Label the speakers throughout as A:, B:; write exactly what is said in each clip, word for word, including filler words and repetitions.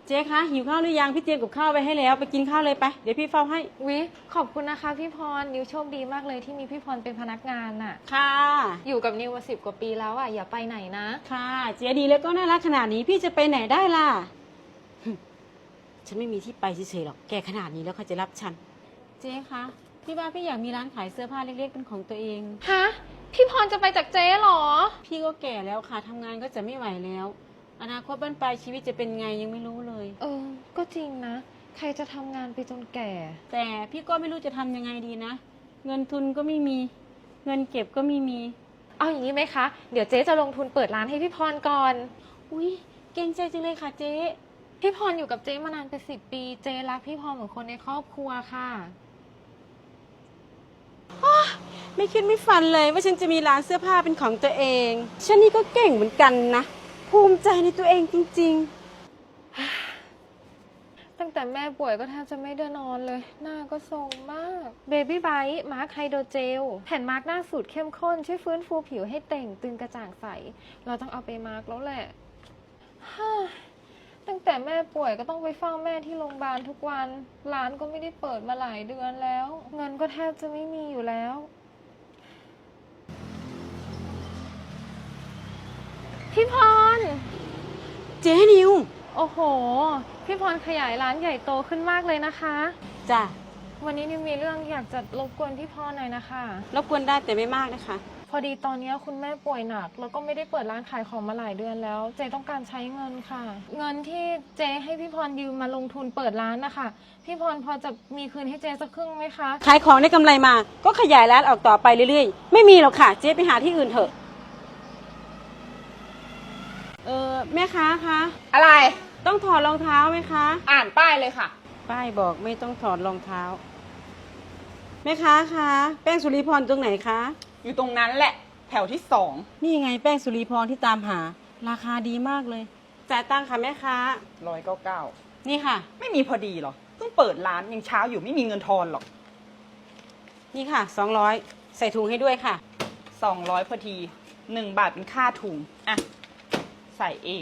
A: เจ๊คะหิวข้าวหรือยังพี่เตรียมกับข้าวไว้ให้แล้วไปกินข้าวเลยไปเดี๋ยวพี่เฝ้าให้
B: วิขอบคุณนะคะพี่พรนิวโชคดีมากเลยที่มีพี่พรเป็นพนักงานน่ะ
A: ค่ะ
B: อยู่กับนิวมาสิบกว่าปีแล้วอ่ะอย่าไปไหนนะ
A: ค่ะเจ๊ดีแล้วก็น่ารักขนาดนี้พี่จะไปไหนได้ล่ะฉันไม่มีที่ไปเฉยๆหรอกแกขนาดนี้แล้วเขาจะรับฉันเจ๊คะพี่ว่าพี่อยากมีร้านขายเสื้อผ้าเล็กๆเป็นของตัวเอง
B: ฮะพี่พรจะไปจากเจ๊หรอ
A: พี่ก็แก่แล้วค่ะทำงานก็จะไม่ไหวแล้วอนาคตบ้านปลายชีวิตจะเป็นไงยังไม่รู้เลย
B: เออก็จริงนะใครจะทำงานไปจนแก่
A: แต่พี่ก็ไม่รู้จะทำยังไงดีนะเงินทุนก็ไม่มีเงินเก็บก็ไม่มี
B: เอาอย่างนี้ไหมคะเดี๋ยวเจ๊จะลงทุนเปิดร้านให้พี่พรก่อน
A: อุ้ยเก่งใจจังเลยค่ะเจ๊
B: พี่พรอยู่กับเจ๊มานานเป็นสิบปีเจ๊รักพี่พรเหมือนคนในครอบครัวค่ะ
A: ไม่คิดไม่ฝันเลยว่าฉันจะมีร้านเสื้อผ้าเป็นของตัวเองฉันนี่ก็เก่งเหมือนกันนะภูมิใจในตัวเองจริง
B: ๆตั้งแต่แม่ป่วยก็แทบจะไม่ได้นอนเลยหน้าก็ทรงมากเบบี้ไบท์มาร์คไฮโดรเจลแผ่นมาร์คหน้าสูตรเข้มข้นช่วยฟื้นฟูผิวให้เต่งตึงกระจ่างใสเราต้องเอาไปมาร์คแล้วแหละตั้งแต่แม่ป่วยก็ต้องไปเฝ้าแม่ที่โรงพยาบาลทุกวันร้านก็ไม่ได้เปิดมาหลายเดือนแล้วเงินก็แทบจะไม่มีอยู่แล้วพี่พร
A: เจ๊นิว
B: โอ้โหพี่พรขยายร้านใหญ่โตขึ้นมากเลยนะคะ
A: จ้ะ
B: วันนี้นิวมีเรื่องอยากจะรบกวนพี่พรหน่อยนะคะ
A: รบกวนได้แต่ไม่มากนะคะ
B: พอดีตอนนี้คุณแม่ป่วยหนักแล้วก็ไม่ได้เปิดร้านขายของมาหลายเดือนแล้วเจต้องการใช้เงินค่ะเงินที่เจให้พี่พรยืมมาลงทุนเปิดร้านนะคะพี่พรพอจะมีคืนให้เจสักครึ่งไหมคะ
A: ขายของได้กำไรมาก็ขยายร้านออกต่อไปเรื่อยๆไม่มีหรอกค่ะเจ๊ไปหาที่อื่นเถอะเออแม่ค้าคะ
C: อะไร
A: ต้องถอดรองเท้าไหมคะ
C: อ่านป้ายเลยค่ะ
A: ป้ายบอกไม่ต้องถอดรองเท้าแม่ค้าคะแป้งสุริพรตรงไหนคะ
C: อยู่ตรงนั้นแหละแถวที่สอง
A: นี่ไงแป้งสุริพรที่ตามหาราคาดีมากเลยจ่ายตังค่ะแม่ค้า
C: ร้อยเก้าเก้า
A: นี่ค่ะ
C: ไม่มีพอดีหรอเพิ่งเปิดร้านยังเช้าอยู่ไม่มีเงินทอนหรอก
A: นี่ค่ะสองร้อยใส่ถุงให้ด้วยค่ะ
C: สองร้อยพอดีหนึ่งบาทเป็นค่าถุงอ่ะใส่เอง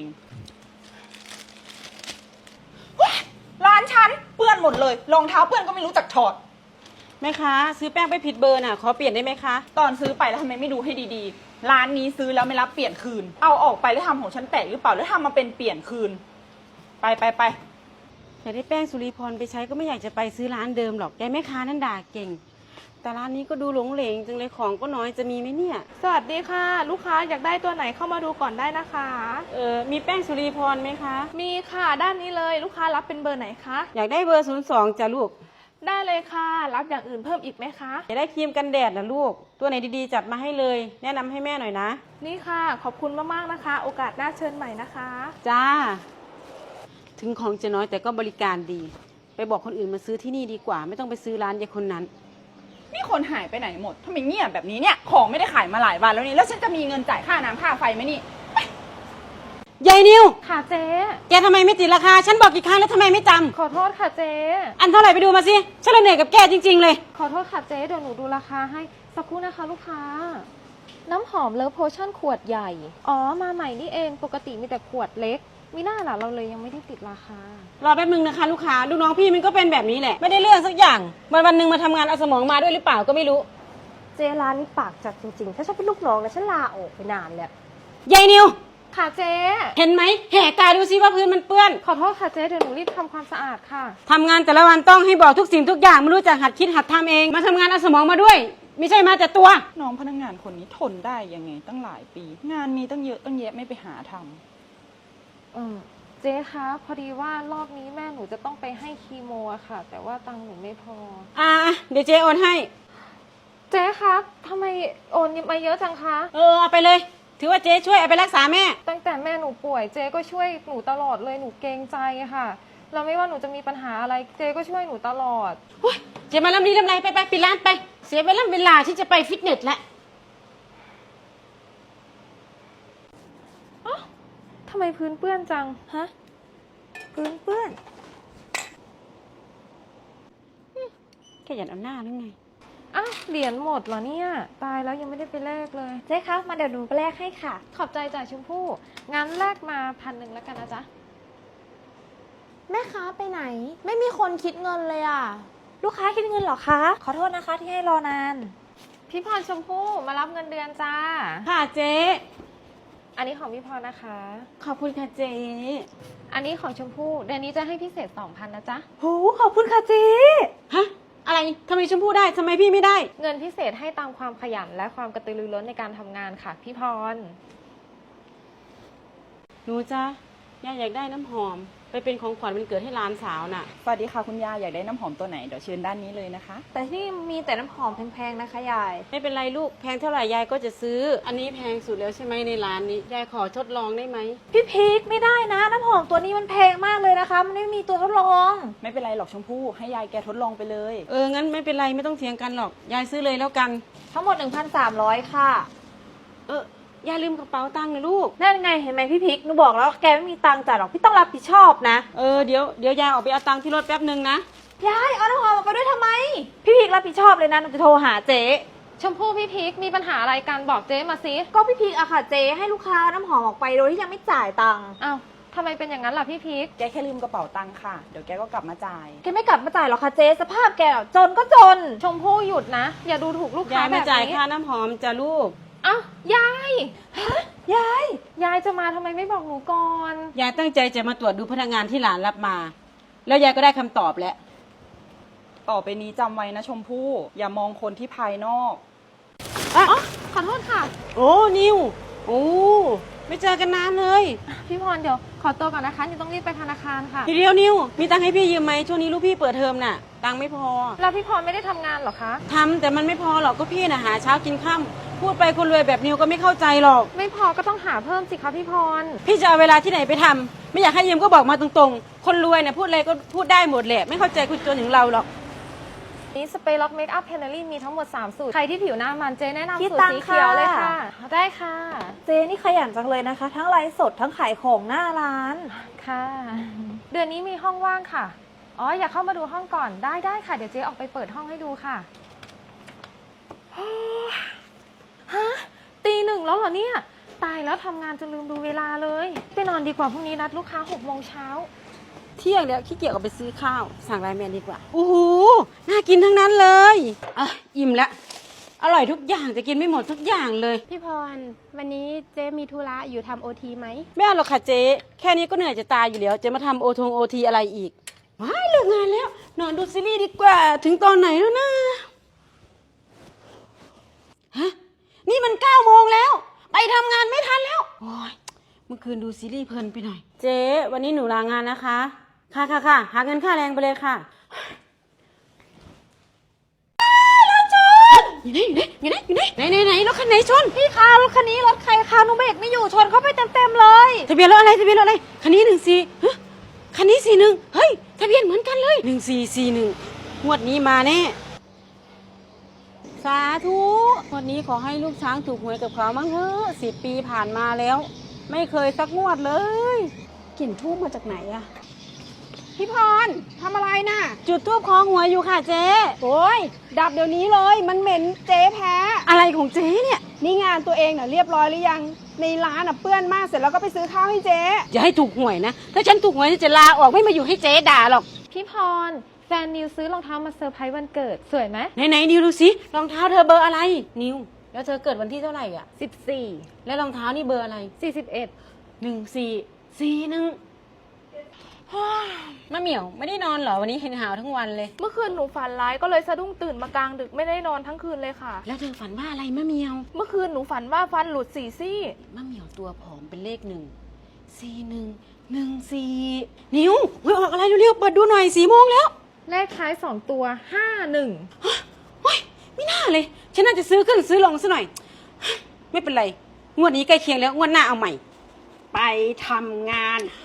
C: ร้านฉันเปื้อนหมดเลยรองเท้าเปื้อนก็ไม่รู้จักถอด
A: แม่ค้าซื้อแป้งไปผิดเบอร์น่ะขอเปลี่ยนได้ไหมคะ
C: ตอนซื้อไปแล้วทำไมไม่ดูให้ดีๆร้านนี้ซื้อแล้วไม่รับเปลี่ยนคืนเอาออกไปแล้วทำของฉันแตกหรือเปล่าแล้วทำมาเป็นเปลี่ยนคืนไปไปไป
A: อยากได้แป้งสุริพรไปใช้ก็ไม่อยากจะไปซื้อร้านเดิมหรอกแกแม่ค้านั่นด่าเก่งแต่ร้านนี้ก็ดูหลงเหลงจังเลยของก็น้อยจะมีไหมเนี่ย
B: สวัสดีค่ะลูกค้าอยากได้ตัวไหนเข้ามาดูก่อนได้นะคะ
A: เออมีแป้งสุริพรไหมคะ
B: มีค่ะด้านนี้เลยลูกค้ารับเป็นเบอร์ไหนคะ
A: อยากได้เบอร์ศูนย์สองจ้ะลูก
B: ได้เลยค่ะรับอย่างอื่นเพิ่มอีกไหมคะ
A: อยากได้ครีมกันแดดนะลูกตัวไหนดีๆจัดมาให้เลยแนะนำให้แม่หน่อยนะ
B: นี่ค่ะขอบคุณมากๆนะคะโอกาสหน้าเชิญใหม่นะคะ
A: จ้าถึงของจะน้อยแต่ก็บริการดีไปบอกคนอื่นมาซื้อที่นี่ดีกว่าไม่ต้องไปซื้อร้านยายคนนั้น
C: นี่คนหายไปไหนหมดทำไมเงียบแบบนี้เนี่ยของไม่ได้ขายมาหลายวันแล้วนี่แล้วฉันจะมีเงินจ่ายค่าน้ำค่าไฟไหมนี่
A: ยายนิว
B: ค่ะเจ๊
A: แกทำไมไม่ติดราคาฉันบอกกี่ครั้งแล้วทำไมไม่จำ
B: ขอโทษค่ะเจ๊
A: อันเท่าไหร่ไปดูมาสิฉันเหนื่อยกับแกจริงๆเลย
B: ขอโทษค่ะเจ๊เดี๋ยวหนูดูราคาให้สักครู่นะคะลูกค้าน้ำหอมเลิฟโพชั่นขวดใหญ่อ๋อมาใหม่นี่เองปกติมีแต่ขวดเล็กมีหน้าล่ะเราเลยยังไม่ได้ติดราคาร
A: อแป๊บนึงนะคะลูกค้าลูกน้องพี่มันก็เป็นแบบนี้แหละไม่ได้เรื่องสักอย่างวันวันหนึ่งมาทำงานเอาสมองมาด้วยหรือเปล่าก็ไม่รู้
D: เจร้านนี้ปากจัดจริงๆถ้าฉันเป็นลูกน้องนะฉันลาออกไปนานแล้ว
A: ยายนิว
B: ค่ะเจ๊
A: เห็นไหมแหกตาดูซิว่าพื้นมันเปื้อน
B: ขอโทษค่ะเจ๊เดี๋ยวหนูรีบทำความสะอาดค่ะ
A: ทำงานแต่ละวันต้องให้บอกทุกสิ่งทุกอย่างไม่รู้จักหัดคิดหัดทำเองมาทำงานเอาสมองมาด้วยไม่ใช่มาแต่ตัว
C: น้องพนักงานคนนี้ทนได้ยังไงตั้งหลายปีงานมีตั้งเยอะตั้งแยะไม่ไปหาทำ
B: เออเจ๊คะพอดีว่ารอบนี้แม่หนูจะต้องไปให้คีโมอะค่ะแต่ว่าตังค์หนูไม่พอ
A: อ่าเดี๋ยวเจ๊โอนให้
B: เจ๊คะทำไมโอนมาเยอะจังคะ
A: เออเอาไปเลยถือว่าเจ๊ช่วยเอาไปรักษาแม่
B: ตั้งแต่แม่หนูป่วยเจ๊ก็ช่วยหนูตลอดเลยหนูเกรงใจค่ะเราไม่ว่าหนูจะมีปัญหาอะไรเจ๊ก็ช่วยหนูตลอด
A: เจ๊มาลำดีลำไรไปไปปิดร้านไปเสียเวลาเวลาที่จะไปฟิตเนสแล้ว
B: อ๋อทำไมพื้นเปื้อนจังฮะพื้นเปื้อน
A: แค่หยัดเอาหน้าหรือไง
B: อ้าวเหรียญหมดเหรอเนี่ยตายแล้วยังไม่ได้ไปแลกเลย
D: เจ๊คะมาเดี๋ยวหนูไปแลกให้ค่ะ
B: ขอบใจจ่ายชมพู่งั้นแลกมาพันหนึ่งแล้วกันนะจ๊ะ
E: แม่ค้าไปไหน ไม่มีคนคิดเงินเลยอ่ะ
D: ลูกค้าคิดเงินเหรอคะ ขอโทษนะคะที่ให้รอนาน
B: พี่พรชมพู่มารับเงินเดือนจ้า
A: ค่ะเจ๊
B: อันนี้ของพี่พรนะคะ
A: ขอบคุณค่ะเจ๊
B: อันนี้ของชมพู่เดือนนี้จะให้พิเศษสองพันนะจ๊ะ
D: โห ขอบคุณค่ะเจ๊
A: ฮะ อะไรทำไมชมพู่ได้ทำไมพี่ไม่ได้
B: เงินพิเศษให้ตามความขยันและความกระตือรือร้นในการทำงานค่ะ พี่พร
A: หนูจ้ะย่าอยากได้น้ำหอม ไปเป็นของขวัญวันเกิดให้หลานสาวน่ะ
C: สวัสดีค่ะคุณยายอยากได้น้ำหอมตัวไหนเดี๋ยวเชิญด้านนี้เลยนะคะ
D: แต่ที่นี่มีแต่น้ำหอมแพงๆนะคะยาย
A: ไม่เป็นไรลูกแพงเท่าไหร่ยายก็จะซื้อ อันนี้แพงสุดแล้วใช่ไหมในร้านนี้ยายขอทดลองได้ไหม
D: พี่พีคไม่ได้นะ น้ำหอมตัวนี้มันแพงมากเลยนะคะ มันไม่มีตัวทดลอง
C: ไม่เป็นไรหรอกชมพู่ให้ยายแกทดลองไปเลย
A: เอองั้นไม่เป็นไรไม่ต้องเถียงกันหรอกยายซื้อเลยแล้วกัน
D: ทั้งหมด หนึ่งพันสามร้อย ค่ะ
A: เออยายลืมกระเป๋าตังค์นะลูก
D: นั่นไงเห็นไหมพี่พิกหนูบอกแล้วแกไม่มีตังค์จ่ายหรอกพี่ต้องรับผิดชอบนะ
A: เออเดี๋ยวเดี๋ยวยายออกไปเอาตังค์ที่รถแป๊บนึงนะ
D: ยายเอาน้ำหอมออกไปด้วยทำไม พี่พิกรับผิดชอบเลยนะหนูจะโทรหาเจ๊
B: ชมพู่พี่พีคมีปัญหาอะไรกันบอกเจ๊มาสิ
D: ก็พี่พิกอะค่ะเจ๊ให้ลูกค้าเอาน้ำหอมออกไปโดยที่ยังไม่จ่ายตังค์
B: อ้าวทำไมเป็นอย่างนั้นล่ะพี่พีค
C: แกแค่ลืมกระเป๋าตังค์ค่ะเดี๋ยวแกก็กลับมาจ่าย
D: แกไม่กลับมาจ่ายหรอกค่ะเจ๊สภาพแกอะจนก็จน
B: ชมพู่หยุดนะ อย่าดูถูกลูกค้าย
A: าย
B: แบ
A: ไม่
B: บ
A: จ่าย
B: นี้
A: ค่าน้ำหอมจ้ะลูก
B: อ้าวยาย
D: ยาย
B: ยายจะมาทำไมไม่บอกหนูก่อน
A: ยายตั้งใจจะมาตรวจดูพนักงานที่หลานรับมา แล้วยายก็ได้คำตอบแล้ว
C: ต่อไปนี้จำไว้นะชมพู่อย่ามองคนที่ภายนอก
A: อ่ะ
B: ขอโทษค่ะ
A: โอ้นิวโอ้ไม่เจอกันนานเลย
B: พี่พรเดี๋ยวขอตัวก่อนนะคะนิวต้องรีบไปธนาคารค่ะ
A: ทีเดียวนิวมีตังค์ให้พี่ยืมไหมช่วงนี้ลูกพี่เปิดเทอมน่ะ ตังค์ไม่พอ
B: แล้วพี่พรไม่ได้ทำงานเหรอคะ
A: ทำแต่มันไม่พอหรอกก็พี่น่ะหาเช้ากินค่ำพูดไปคนรวยแบบนิวก็ไม่เข้าใจหรอก
B: ไม่พอก็ต้องหาเพิ่มสิคะพี่พร
A: พี่จะเอาเวลาที่ไหนไปทำไม่อยากให้ยืมก็บอกมาตรงๆ คนรวยเนี่ยพูดอะไรก็พูดได้หมดแหละไม่เข้าใจคุณจนถึงเราหรอก
B: นี่สเปรย์ล็อกเมคอัพเพนเนอรี่มีทั้งหมดสามสูตร ใครที่ผิวหน้ามันเจแนะนำ
D: พี่
B: สูตร
D: ตัง
B: สี
D: ค่ะ
B: เขียวเลยค่ะ ได้ค่ะ
D: เจ๊นี่ขยันจังเลยนะคะ ทั้งไลฟ์สดทั้งขายของหน้าร้าน
B: ค่ะ เดือนนี้มีห้องว่างค่ะ อ๋ออยากเข้ามาดูห้องก่อนได้ได้ค่ะ เดี๋ยวเจ๊ออกไปเปิดห้องให้ดูค่ะ ฮะตีหนึ่งแล้วเหรอเนี่ย ตายแล้วทำงานจนลืมดูเวลาเลยไปนอนดีกว่าพรุ่งนี้นัดลูกค้าหกโมงเช้า
A: เที่ยงแล้วขี้เกียจออกไปซื้อข้าว สั่งไลน์แมนดีกว่าโอ้โหน่ากินทั้งนั้นเลยอ่ะอิ่มแล้วอร่อยทุกอย่างจะกินไม่หมดทุกอย่างเลย
E: พี่พร วันนี้เจ๊มีธุระอยู่ทำโอทีไหม
A: ไม่เอาหรอกค่ะเจ๊แค่นี้ก็เหนื่อยจะตายอยู่แล้วจะมาทำโอทงโอทีอะไรอีกว้ายเลิกงานแล้ว นอนดูซีรีส์ดีกว่าถึงตอนไหนแล้วนะฮะนี่มันเก้าโมงแล้ว ไปทำงานไม่ทันแล้วโอ้ยเมื่อคืนดูซีรีส์เพลินไปหน่อย เจ๊วันนี้หนูลางานนะคะ ค่ะค่ะค่ะหาเงินค่าแรงไปเลยค่ะอยู่ไหนอยู่ไหนอยู่ไหนอยู่ไหนไหนไหนไหนรถคันไหนชน
D: พี่คะรถคันนี้รถใครคะหนูเบรกไม่อยู่ชนเข้าไปเต็มๆเลย
A: ทะเบียนรถอะไรทะเบียนรถอะไรคันนี้หนึ่งสี่ฮะคันนี้สี่หนึ่งเฮ้ยทะเบียนเหมือนกันเลยหนึ่งสี่สี่หนึ่งงวดนี้มาแน่สาธุงวดนี้ขอให้ลูกช้างถูกหวยกับเขามั้งเถอะสิบปีผ่านมาแล้ว ไม่เคยสักงวดเลยกลิ่นทูบมาจากไหนอะพี่พรทำอะไรน่ะ จุดทูบคล้องหวยอยู่ค่ะเจ๊
F: โอ้ยดับเดี๋ยวนี้เลยมันเหม็นเจ๊แพ้
A: อะไรของเจ๊เนี่ย
F: นี่งานตัวเองน่ะเรียบร้อยหรือยังในร้านน่ะเปื้อนมากเสร็จแล้วก็ไปซื้อข้าวให้เจ๊
A: อย่าให้ถูกหวยนะถ้าฉันถูกหวยจะลาออกไม่มาอยู่ให้เจ๊ด่าหรอก
B: พี่พร แฟนนิวซื้อรองเท้ามาเซอร์ไพรส์วันเกิดสวยไหม
A: ไหนไหนนิวดูสิรองเท้าเธอเบอร์อะไรนิวแล้วเธอเกิดวันที่เท่าไหร่อ่ะ
B: สิบสี่
A: แล้วรองเท้านี่เบอร์อะไร
B: สี่สิบเอ็ด
A: หนึ่งสี่สี่หนึ่งมะเหมี่ยวไม่ได้นอนเหรอวันนี้เห็นหาวทั้งวันเลย
E: เมื่อคืนหนูฝันร้ายก็เลยสะดุ้งตื่นมากลางดึกไม่ได้นอนทั้งคืนเลยค่ะ
A: แล้วเธอฝันว่าอะไรมะเหมี่ยว
E: เมื่อคืนหนูฝันว่าฟันหลุดสี่ซี่
A: มะเหมี่ยวตัวผอมเป็นเลขหนึ่งสี่หนึ่งหนึ่งสี่นิวเฮ้ยออกอะไรเร็วๆเปิดดูหน่อยสี่โมงแล้ว
B: เลขท้ายสองตัวห้าหนึ่ง
A: เฮ้ยไม่น่าเลยฉันน่าจะซื้อขึ้นซื้อลงซะหน่อยไม่เป็นไรงวดนี้ใกล้เคียงแล้วงวดหน้าเอาใหม่
F: ไปทำงาน